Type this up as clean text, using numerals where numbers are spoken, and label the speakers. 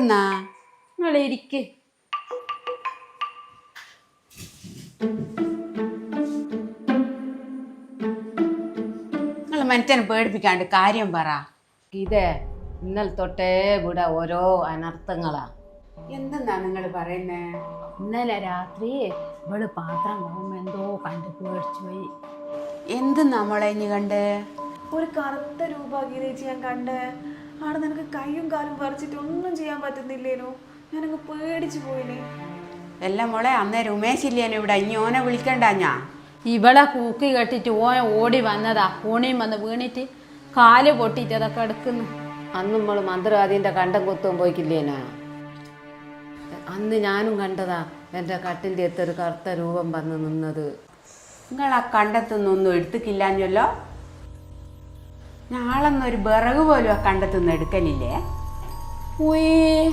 Speaker 1: എന്തെന്നാ?
Speaker 2: നിങ്ങൾ ഇരിക്ക്.
Speaker 1: നിങ്ങൾ മനുഷ്യനെ പേടിപ്പിക്കാണ്ട് കാര്യം പറ.
Speaker 2: ഇതേ ഇന്നലെ തൊട്ടേ ഇവിടെ ഓരോ അനർത്ഥങ്ങളാ.
Speaker 1: എന്തെന്നാ നിങ്ങൾ പറയുന്നേ?
Speaker 2: ഇന്നലെ രാത്രി ഇവള് പാത്രം പോകുമ്പോ എന്തോ കണ്ടു പേടിച്ചു പോയി.
Speaker 1: എന്ത് നമ്മളെ ഇനി കണ്ട്?
Speaker 3: ഒരു കറുത്ത രൂപഗീതേച്ചി ഞാൻ കണ്ടേ. ആടെ നിനക്ക് കൈയും കാലും പറിച്ചിട്ട് ഒന്നും ചെയ്യാൻ പറ്റുന്നില്ലേനോ? ഞാനങ്ങ് പേടിച്ചു പോയിനെ.
Speaker 1: എല്ലാം മോളെ അന്നേരം ഉമേശില്ലേനോ ഇവിടെ? ഇനി ഓനെ വിളിക്കണ്ട ഞാൻ.
Speaker 2: ഇവളെ കൂക്കി കെട്ടിട്ട് ഓടി വന്നതാ. ഓണിയും വന്ന് വീണിട്ട് കാല് പൊട്ടിട്ട് അതൊക്കെ എടുക്കുന്നു. അന്ന് നമ്മൾ മന്ത്രവാദീൻ്റെ കണ്ടം കൊത്തും പോയിക്കില്ലേനാ? അന്ന് ഞാനും കണ്ടതാ എൻ്റെ കട്ടിൻ്റെ അടുത്തൊരു കറുത്ത രൂപം വന്ന് നിന്നത്.
Speaker 1: നിങ്ങൾ ആ കണ്ടെത്തുന്നൊന്നും എടുത്തിക്കില്ലാഞ്ഞല്ലോ. നാളെന്നൊരു വിറക് പോലും ആ കണ്ടെത്തുനിന്ന് എടുക്കലില്ലേ?
Speaker 2: ഉയ്